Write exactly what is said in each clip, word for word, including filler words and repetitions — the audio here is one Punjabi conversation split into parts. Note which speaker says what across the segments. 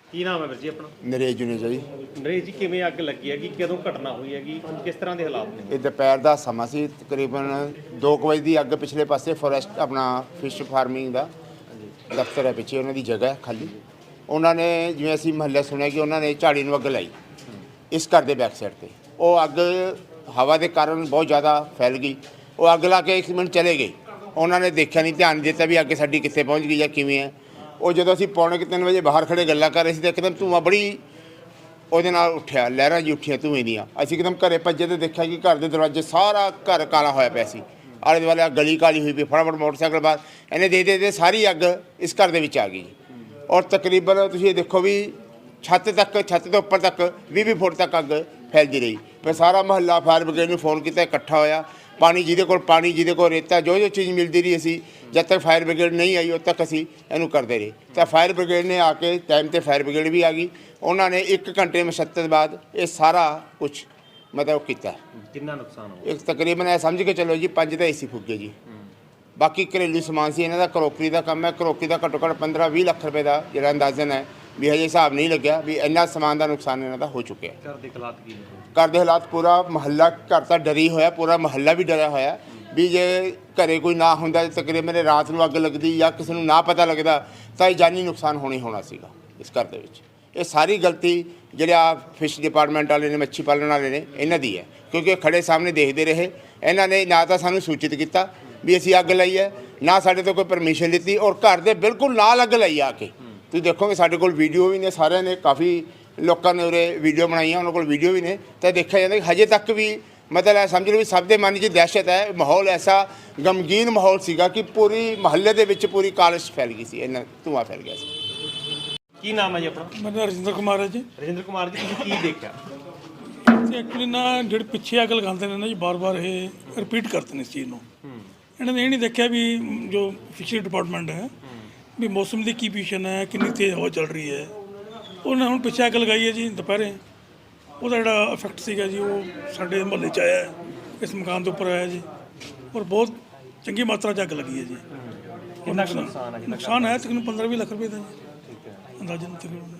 Speaker 1: ਕੀ ਨਾਮ ਹੈ ਵੀਰ ਜੀ ਆਪਣਾ?
Speaker 2: ਨਰੇਸ਼ ਜੁਨੇਜਾ ਜੀ।
Speaker 1: ਨਰੇਸ਼ ਜੀ, ਕਿਵੇਂ ਅੱਗ ਲੱਗੀ ਹੈਗੀ, ਕਦੋਂ ਘਟਨਾ ਹੋਈ ਹੈਗੀ, ਕਿਸ ਤਰ੍ਹਾਂ ਦੇ ਹਾਲਾਤ ਨੇ?
Speaker 2: ਇਹ ਦੁਪਹਿਰ ਦਾ ਸਮਾਂ ਸੀ, ਤਕਰੀਬਨ ਦੋ ਕੁ ਵਜੇ ਦੀ ਅੱਗ। ਪਿਛਲੇ ਪਾਸੇ ਫੋਰੈਸਟ ਆਪਣਾ ਫਿਸ਼ ਫਾਰਮਿੰਗ ਦਾ ਦਫ਼ਤਰ ਹੈ, ਪਿੱਛੇ ਉਹਨਾਂ ਦੀ ਜਗ੍ਹਾ ਹੈ ਖਾਲੀ। ਉਹਨਾਂ ਨੇ ਜਿਵੇਂ ਅਸੀਂ ਮਹੱਲੇ ਸੁਣਿਆ ਕਿ ਉਹਨਾਂ ਨੇ ਝਾੜੀ ਨੂੰ ਅੱਗ ਲਾਈ ਇਸ ਘਰ ਦੇ ਬੈਕ ਸਾਈਡ 'ਤੇ। ਉਹ ਅੱਗ ਹਵਾ ਦੇ ਕਾਰਨ ਬਹੁਤ ਜ਼ਿਆਦਾ ਫੈਲ ਗਈ। ਉਹ ਅੱਗ ਲਾ ਕੇ ਇੱਕ ਮਿੰਟ ਚਲੇ ਗਏ। ਉਹਨਾਂ ਨੇ ਦੇਖਿਆ ਨਹੀਂ, ਧਿਆਨ ਨਹੀਂ ਦਿੱਤਾ ਵੀ ਅੱਗ ਸਾਡੀ ਕਿੱਥੇ ਪਹੁੰਚ ਗਈ ਜਾਂ ਕਿਵੇਂ ਹੈ। ਉਹ ਜਦੋਂ ਅਸੀਂ ਪੌਣੇ ਕੁ ਤਿੰਨ ਵਜੇ ਬਾਹਰ ਖੜੇ ਗੱਲਾਂ ਕਰ ਰਹੇ ਸੀ ਤਾਂ ਇੱਕਦਮ ਧੂੰਆਂ ਬੜੀ ਉਹਦੇ ਨਾਲ ਉੱਠਿਆ, ਲਹਿਰਾਂ ਜੀ ਉੱਠੀਆਂ ਧੂੰਏ ਦੀਆਂ। ਅਸੀਂ ਇੱਕਦਮ ਘਰੇ ਭੱਜੇ ਤੇ ਦੇਖਿਆ ਕਿ ਘਰ ਦੇ ਦਰਵਾਜ਼ੇ ਸਾਰਾ ਘਰ ਕਾਲਾ ਹੋਇਆ ਪਿਆ ਸੀ। ਆਲੇ ਦੁਆਲੇ ਆ ਗਲੀ ਕਾਲੀ ਹੋਈ ਪਈ। ਫਟਾਫਟ ਮੋਟਰਸਾਈਕਲ ਬਾਹਰ ਇਹਨੇ ਦੇ ਦੇ ਦੇ ਸਾਰੀ ਅੱਗ ਇਸ ਘਰ ਦੇ ਵਿੱਚ ਆ ਗਈ। ਔਰ ਤਕਰੀਬਨ ਤੁਸੀਂ ਇਹ ਦੇਖੋ ਵੀ ਛੱਤ ਤੱਕ, ਛੱਤ ਤੋਂ ਉੱਪਰ ਤੱਕ ਵੀਹ ਵੀਹ ਫੁੱਟ ਤੱਕ ਅੱਗ ਫੈਲਦੀ ਰਹੀ। ਫਿਰ ਸਾਰਾ ਮੁਹੱਲਾ ਫਾਇਰ ਬ੍ਰਿਗੇਡ ਨੂੰ ਫੋਨ ਕੀਤਾ, ਇਕੱਠਾ ਹੋਇਆ। ਪਾਣੀ ਜਿਹਦੇ ਕੋਲ ਪਾਣੀ, ਜਿਹਦੇ ਕੋਲ ਰੇਤਾ, ਜੋ ਜੋ ਚੀਜ਼ ਮਿਲਦੀ ਰਹੀ, ਅਸੀਂ ਜਦ ਤੱਕ ਫਾਇਰ ਬ੍ਰਿਗੇਡ ਨਹੀਂ ਆਈ ਉਦੋਂ ਤੱਕ ਅਸੀਂ ਇਹਨੂੰ ਕਰਦੇ ਰਹੇ। ਤਾਂ ਫਾਇਰ ਬ੍ਰਿਗੇਡ ਨੇ ਆ ਕੇ ਟਾਈਮ 'ਤੇ ਫਾਇਰ ਬ੍ਰਿਗੇਡ ਵੀ ਆ ਗਈ। ਉਹਨਾਂ ਨੇ ਇੱਕ ਘੰਟੇ ਮਸ਼ੱਤਤ ਬਾਅਦ ਇਹ ਸਾਰਾ ਕੁਝ ਮਤਲਬ ਕੀਤਾ।
Speaker 1: ਕਿੰਨਾ ਨੁਕਸਾਨ ਹੋਇਆ?
Speaker 2: ਇੱਕ ਤਕਰੀਬਨ ਇਹ ਸਮਝ ਕੇ ਚੱਲੋ ਜੀ ਪੰਜ ਤਾਂ ਏ ਸੀ ਫੁੱਗੇ ਜੀ। ਬਾਕੀ ਘਰੇਲੂ ਸਮਾਨ ਸੀ ਇਹਨਾਂ ਦਾ, ਕਰੋਕਰੀ ਦਾ ਕੰਮ ਹੈ। ਕਰੋਕਰੀ ਦਾ ਘੱਟੋ ਘੱਟ ਪੰਦਰਾਂ ਵੀਹ ਲੱਖ ਰੁਪਏ ਦਾ ਜਿਹੜਾ ਅੰਦਾਜ਼ਨ ਹੈ ਵੀ ਹਜੇ ਹਿਸਾਬ ਨਹੀਂ ਲੱਗਿਆ ਵੀ ਇੰਨਾ ਸਮਾਨ ਦਾ ਨੁਕਸਾਨ ਇਹਨਾਂ ਦਾ ਹੋ ਚੁੱਕਿਆ।
Speaker 1: ਘਰ ਦੇ ਹਾਲਾਤ ਕੀ ਨੇ?
Speaker 2: ਘਰ ਦੇ ਹਾਲਾਤ, ਪੂਰਾ ਮਹੱਲਾ ਘਰ ਤਾਂ ਡਰੀ ਹੋਇਆ, ਪੂਰਾ ਮਹੱਲਾ ਵੀ ਡਰਿਆ ਹੋਇਆ ਵੀ ਜੇ ਘਰੇ ਕੋਈ ਨਾ ਹੁੰਦਾ, ਤਕਰੀਬਨ ਰਾਤ ਨੂੰ ਅੱਗ ਲੱਗਦੀ ਜਾਂ ਕਿਸੇ ਨੂੰ ਨਾ ਪਤਾ ਲੱਗਦਾ ਤਾਂ ਇਹ ਜਾਨੀ ਨੁਕਸਾਨ ਹੋਣੀ ਹੋਣਾ ਸੀਗਾ ਇਸ ਘਰ ਦੇ ਵਿੱਚ। ਇਹ ਸਾਰੀ ਗਲਤੀ ਜਿਹੜਾ ਫਿਸ਼ ਡਿਪਾਰਟਮੈਂਟ ਵਾਲੇ ਨੇ, ਮੱਛੀ ਪਾਲਣ ਵਾਲੇ ਨੇ, ਇਹਨਾਂ ਦੀ ਹੈ। ਕਿਉਂਕਿ ਖੜੇ ਸਾਹਮਣੇ ਦੇਖਦੇ ਰਹੇ। ਇਹਨਾਂ ਨੇ ਨਾ ਤਾਂ ਸਾਨੂੰ ਸੂਚਿਤ ਕੀਤਾ ਵੀ ਅਸੀਂ ਅੱਗ ਲਾਈ ਹੈ, ਨਾ ਸਾਡੇ ਤੋਂ ਕੋਈ ਪਰਮਿਸ਼ਨ ਲਿੱਤੀ, ਔਰ ਘਰ ਦੇ ਬਿਲਕੁਲ ਨਾਲ ਅੱਗ ਲਾਈ ਆ ਕੇ। ਤੁਸੀਂ ਦੇਖੋਗੇ ਸਾਡੇ ਕੋਲ ਵੀਡੀਓ ਵੀ ਨੇ, ਸਾਰਿਆਂ ਨੇ, ਕਾਫੀ ਲੋਕਾਂ ਨੇ ਉਰੇ ਵੀਡੀਓ ਬਣਾਈਆਂ, ਉਹਨਾਂ ਕੋਲ ਵੀਡੀਓ ਵੀ ਨੇ। ਤਾਂ ਦੇਖਿਆ ਜਾਂਦਾ ਕਿ ਹਜੇ ਤੱਕ ਵੀ ਮਤਲਬ ਇਹ ਸਮਝ ਲਓ ਵੀ ਸਭ ਦੇ ਮਨ 'ਚ ਦਹਿਸ਼ਤ ਹੈ। ਮਾਹੌਲ ਐਸਾ ਗਮਗੀਨ ਮਾਹੌਲ ਸੀਗਾ ਕਿ ਪੂਰੀ ਮਹੱਲੇ ਦੇ ਵਿੱਚ ਪੂਰੀ ਕਾਲਿਸ਼ ਫੈਲ ਗਈ ਸੀ, ਇੰਨਾ ਧੂੰਆਂ ਫੈਲ ਗਿਆ ਸੀ।
Speaker 1: ਕੀ ਨਾਮ ਹੈ ਜੀ ਆਪਣਾ?
Speaker 3: ਮੇਰਾ ਰਜਿੰਦਰ ਕੁਮਾਰ ਹੈ ਜੀ।
Speaker 1: ਰਜਿੰਦਰ ਕੁਮਾਰ ਜੀ, ਤੁਸੀਂ ਕੀ ਦੇਖਿਆ?
Speaker 3: ਐਕਚੁਅਲੀ ਨਾ ਜਿਹੜੇ ਪਿੱਛੇ ਅੱਗ ਲਗਾਉਂਦੇ ਨੇ ਨਾ ਜੀ, ਬਾਰ-ਬਾਰ ਇਹ ਰਿਪੀਟ ਕਰਦੇ ਨੇ ਇਸ ਚੀਜ਼ ਨੂੰ। ਇਹਨਾਂ ਨੇ ਇਹ ਨਹੀਂ ਦੇਖਿਆ ਵੀ ਜੋ ਫਿਸ਼ਰੀ ਡਿਪਾਰਟਮੈਂਟ ਹੈ ਵੀ ਮੌਸਮ ਦੀ ਕੀ ਪੋਜੀਸ਼ਨ ਹੈ, ਕਿੰਨੀ ਤੇਜ਼ ਹਵਾ ਚੱਲ ਰਹੀ ਹੈ। ਉਹਨੇ ਹੁਣ ਪਿੱਛੇ ਅੱਗ ਲਗਾਈ ਹੈ ਜੀ ਦੁਪਹਿਰੇ। ਉਹਦਾ ਜਿਹੜਾ ਇਫੈਕਟ ਸੀਗਾ ਜੀ ਉਹ ਸਾਡੇ ਮੁਹੱਲੇ 'ਚ ਆਇਆ, ਇਸ ਮਕਾਨ ਦੇ ਉੱਪਰ ਆਇਆ ਜੀ। ਔਰ ਬਹੁਤ ਚੰਗੀ ਮਾਤਰਾ 'ਚ ਅੱਗ ਲੱਗੀ ਹੈ ਜੀ।
Speaker 1: ਕਿੰਨਾ ਕੁ ਨੁਕਸਾਨ ਹੈ?
Speaker 3: ਨੁਕਸਾਨ ਹੈ ਤਕਰੀਬਨ ਪੰਦਰਾਂ ਵੀਹ ਲੱਖ ਰੁਪਏ ਦਾ ਜੀ, ਅੰਦਾਜ਼ਨ ਤਕਰੀਬਨ।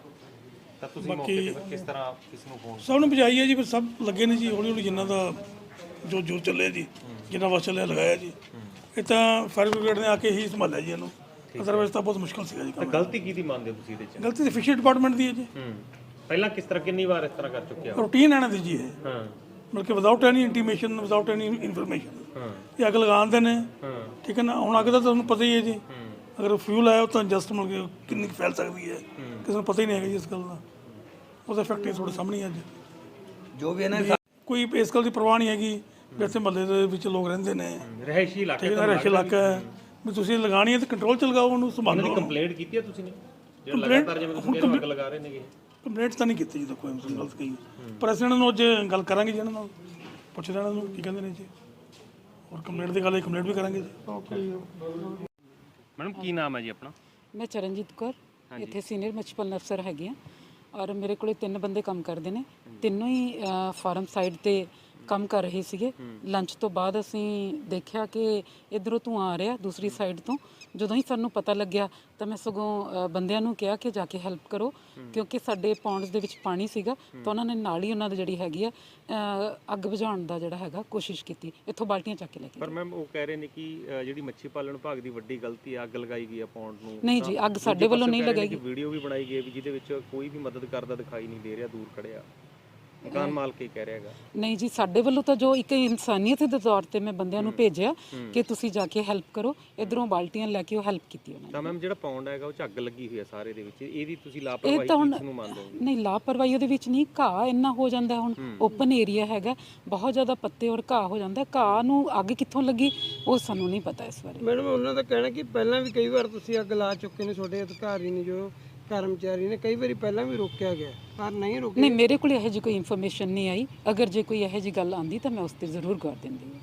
Speaker 1: ਤਾਂ ਤੁਸੀਂ ਮੌਕੇ ਤੇ ਕਿਸ ਤਰ੍ਹਾਂ ਕਿਸ ਨੂੰ ਫੋਨ?
Speaker 3: ਸਭ ਨੂੰ ਬੁਝਾਈ ਹੈ ਜੀ, ਫਿਰ ਸਭ ਲੱਗੇ ਨੇ ਜੀ ਹੌਲੀ ਹੌਲੀ, ਜਿਨ੍ਹਾਂ ਦਾ ਜੋ ਜੋਰ ਚੱਲਿਆ ਜੀ, ਜਿੰਨਾ ਵਸ ਚੱਲਿਆ ਲਗਾਇਆ ਜੀ। ਇਹ ਤਾਂ ਫਾਇਰ ਬ੍ਰਿਗੇਡ ਨੇ ਆ ਕੇ ਹੀ ਸੰਭਾਲਿਆ ਜੀ ਇਹਨੂੰ, ਅਦਰਵਾਈਜ਼ ਤਾਂ ਬਹੁਤ ਮੁਸ਼ਕਲ ਸੀਗਾ ਜੀ
Speaker 1: ਤਾਂ
Speaker 3: ਕੰਮ।
Speaker 1: ਗਲਤੀ ਕਿਹਦੀ ਮੰਨਦੇ ਹੋ ਤੁਸੀਂ ਇਹਦੇ 'ਚ?
Speaker 3: ਗਲਤੀ ਤਾਂ ਫਿਸ਼ਰੀ ਡਿਪਾਰਟਮੈਂਟ ਦੀ ਹੈ ਜੀ।
Speaker 1: ਹੂੰ, ਪਹਿਲਾਂ ਕਿਸ ਤਰ੍ਹਾਂ, ਕਿੰਨੀ ਵਾਰ ਇਸ ਤਰ੍ਹਾਂ ਕਰ ਚੁੱਕਿਆ?
Speaker 3: ਰੂਟੀਨ ਇਹਨਾਂ ਦੀ ਜੀ ਇਹ,
Speaker 1: ਹਾਂ
Speaker 3: ਬਲਕਿ without any intimation, without any information
Speaker 1: ਹਾਂ
Speaker 3: ਇਹ ਅੱਗ ਲਗਾਉਂਦੇ ਨੇ।
Speaker 1: ਹਾਂ
Speaker 3: ਠੀਕ ਹੈ ਨਾ। ਹੁਣ ਅੱਗ ਦਾ ਤੁਹਾਨੂੰ ਪਤਾ ਹੀ ਹੈ ਜੀ, ਅਗਰ ਫਿਊਲ ਆਇਆ ਤਾਂ ਜਸਟ ਮਿਲ ਕੇ ਕਿੰਨੀ ਕੁ ਫੈਲ ਸਕਦੀ ਹੈ, ਕਿਸੇ ਨੂੰ ਪਤਾ ਹੀ ਨਹੀਂ ਹੈਗਾ ਜੀ ਇਸ ਗੱਲ ਦਾ। ਉਹਦਾ ਇਫੈਕਟ ਹੀ ਤੁਹਾਡੇ ਸਾਹਮਣੇ ਅੱਜ ਜੋ ਵੀ ਇਹਨਾਂ ਕੋਈ ਇਸ ਗੱਲ ਦੀ ਪਰਵਾਹ ਨਹੀਂ ਹੈਗੀ ਵੀ ਇੱਥੇ ਮਹੱਲੇ ਦੇ ਵਿੱਚ ਲੋਕ ਰਹਿੰਦੇ ਨੇ,
Speaker 1: ਰਹਿਸ਼ੀ ਇਲਾਕੇ
Speaker 3: ਠੀਕ ਹੈ ਨਾ, ਰਹਿਸ਼ ਇਲਾਕਾ ਹੈ ਵੀ ਤੁਸੀਂ ਲਗਾਉਣੀ ਹੈ ਤਾਂ ਕੰਟਰੋਲ 'ਚ ਲਗਾਓ, ਉਹਨੂੰ ਸੰਭਾਲੋ।
Speaker 1: ਕੰਪਲੇਂਟ ਕੀਤੀ ਹੈ ਤੁਸੀਂ ਨੇ? ਜਿਹੜਾ ਲਗਾਤਾਰ ਜਿਵੇਂ ਤੁਸੀਂ ਕਹਿੰਦੇ ਅੱਗ ਲਗਾ ਰਹੇ ਨੇਗੇ।
Speaker 3: ਕੰਪਲੇਂਟ ਤਾਂ ਨਹੀਂ ਕੀਤੀ ਜੀ, ਕੋਈ ਗਲਤ ਕਹੀ। ਪਰ ਅਸੀਂ ਇਹਨਾਂ ਨੂੰ ਅੱਜ ਗੱਲ ਕਰਾਂਗੇ ਜੀ, ਇਹਨਾਂ ਨਾਲ ਪੁੱਛਦੇ ਇਹਨਾਂ ਨੂੰ ਕੀ ਕਹਿੰਦੇ ਨੇ ਜੀ। ਔਰ ਕੰਪਲੇਂਟ ਦੀ ਗੱਲ ਹੈ, ਕੰਪਲੇਂਟ ਵੀ ਕਰਾਂਗੇ ਜੀ। ਓਕੇ ਜੀ।
Speaker 1: ਮੈਡਮ ਕੀ ਨਾਮ ਹੈ ਜੀ ਆਪਣਾ?
Speaker 4: ਮੈਂ ਚਰਨਜੀਤ ਕੌਰ, ਇੱਥੇ ਸੀਨੀਅਰ ਮੱਛੀ ਪਾਲਣ ਅਫਸਰ ਹੈਗੀ ਹਾਂ। ਔਰ ਮੇਰੇ ਕੋਲੇ ਤਿੰਨ ਬੰਦੇ ਕੰਮ ਕਰਦੇ ਨੇ, ਤਿੰਨੋਂ ਹੀ ਫਾਰਮ ਸਾਈਡ ਤੇ ਕੰਮ ਕਰ ਰਹੇ ਸੀਗੇ। ਲੰਚ ਤੋਂ ਬਾਅਦ ਅਸੀਂ ਦੇਖਿਆ ਕਿ ਇੱਧਰੋਂ ਧੂੰਆਂ ਆ ਰਿਹਾ ਦੂਸਰੀ ਸਾਈਡ ਤੋਂ। ਜਦੋਂ ਹੀ ਸਾਨੂੰ ਪਤਾ ਲੱਗਿਆ ਤਾਂ ਮੈਂ ਸਗੋਂ ਬੰਦਿਆਂ ਨੂੰ ਕਿਹਾ ਕਿ ਜਾ ਕੇ ਹੈਲਪ ਕਰੋ, ਕਿਉਂਕਿ ਸਾਡੇ ਪੌਂਡਸ ਦੇ ਵਿੱਚ ਪਾਣੀ ਸੀਗਾ। ਤਾਂ ਉਹਨਾਂ ਨੇ ਨਾਲ ਹੀ ਉਹਨਾਂ ਦੀ ਜਿਹੜੀ ਹੈਗੀ ਆ ਅੱਗ ਬੁਝਾਉਣ ਦਾ ਜਿਹੜਾ ਹੈਗਾ ਕੋਸ਼ਿਸ਼ ਕੀਤੀ, ਇੱਥੋਂ ਬਾਲਟੀਆਂ ਚੱਕ ਕੇ ਲੈ ਕੇ।
Speaker 1: ਪਰ ਮੈਮ ਉਹ ਕਹਿ ਰਹੇ ਨੇ ਕਿ ਜਿਹੜੀ ਮੱਛੀ ਪਾਲਣ ਵਿਭਾਗ ਦੀ ਵੱਡੀ ਗਲਤੀ ਆ, ਅੱਗ ਲਗਾਈ ਗਈ ਆ ਪੌਂਡ ਨੂੰ।
Speaker 4: ਨਹੀਂ ਜੀ, ਅੱਗ ਸਾਡੇ ਵੱਲੋਂ ਨਹੀਂ ਲਗਾਈ ਗਈ।
Speaker 1: ਵੀਡੀਓ ਵੀ ਬਣਾਈ ਗਈ ਵੀ ਜਿਹਦੇ ਵਿੱਚ ਕੋਈ ਵੀ ਮਦਦ ਕਰਦਾ ਦਿਖਾਈ ਨਹੀਂ ਦੇ ਰਿਹਾ, ਦੂਰ ਖੜਿਆ ਮਕਾਨ ਮਾਲਕ ਹੀ ਕਹਿ ਰਿਹਾ ਹੈਗਾ। ਨਹੀਂ
Speaker 4: ਜੀ, ਸਾਡੇ ਵੱਲੋਂ ਤਾਂ ਜੋ ਇੱਕ ਇਨਸਾਨੀਅਤ ਦੇ ਤੌਰ ਤੇ ਮੈਂ ਬੰਦਿਆਂ ਨੂੰ ਭੇਜਿਆ ਕਿ ਤੁਸੀਂ ਜਾ ਕੇ ਹੈਲਪ ਕਰੋ, ਇਧਰੋਂ ਬਾਲਟੀਆਂ ਲੈ ਕੇ ਉਹ ਹੈਲਪ ਕੀਤੀ ਉਹਨਾਂ ਨੇ।
Speaker 1: ਤਾਂ ਮੈਮ ਜਿਹੜਾ ਪੌਂਡ ਹੈਗਾ ਉਹ 'ਚ ਅੱਗ ਲੱਗੀ ਹੋਈ ਹੈ ਸਾਰੇ ਦੇ ਵਿੱਚ, ਇਹਦੀ ਤੁਸੀਂ ਲਾਪਰਵਾਹੀ ਕਿਸ ਨੂੰ ਮੰਨਦੇ ਹੋ?
Speaker 4: ਨਹੀਂ, ਲਾਪਰਵਾਹੀ ਉਹਦੇ ਵਿੱਚ ਨਹੀਂ, ਘਾਹ ਇੰਨਾ ਹੋ ਜਾਂਦਾ। ਹੁਣ ਓਪਨ ਏਰੀਆ ਹੈਗਾ, ਬਹੁਤ ਜ਼ਿਆਦਾ ਪੱਤੇ ਔਰ ਘਾਹ ਹੋ ਜਾਂਦਾ। ਘਾਹ ਨੂੰ ਅੱਗ ਕਿੱਥੋਂ ਲੱਗੀ ਉਹ ਸਾਨੂੰ ਨਹੀਂ ਪਤਾ ਇਸ ਬਾਰੇ।
Speaker 5: ਮੈਡਮ ਉਹਨਾਂ ਦਾ ਕਹਿਣਾ ਕਿ ਪਹਿਲਾਂ ਵੀ ਕਈ ਵਾਰ ਤੁਸੀਂ ਅੱਗ ਲਾ ਚੁੱਕੇ ਨੇ, ਤੁਹਾਡੇ ਅਧਿਕਾਰੀ ਨੇ ਜੋ ਕਰਮਚਾਰੀ ਨੇ, ਕਈ ਵਾਰੀ ਪਹਿਲਾਂ ਵੀ ਰੋਕਿਆ ਗਿਆ ਪਰ ਨਹੀਂ ਰੁਕਿਆ।
Speaker 4: ਨਹੀਂ, ਮੇਰੇ ਕੋਲ ਇਹੋ ਜਿਹੀ ਕੋਈ ਇਨਫੋਰਮੇਸ਼ਨ ਨਹੀਂ ਆਈ। ਅਗਰ ਜੇ ਕੋਈ ਇਹੋ ਜਿਹੀ ਗੱਲ ਆਂਦੀ ਤਾਂ ਮੈਂ ਉਸ ਤੇ ਜ਼ਰੂਰ ਗੌਰ ਦਿੰਦੀ ਹਾਂ।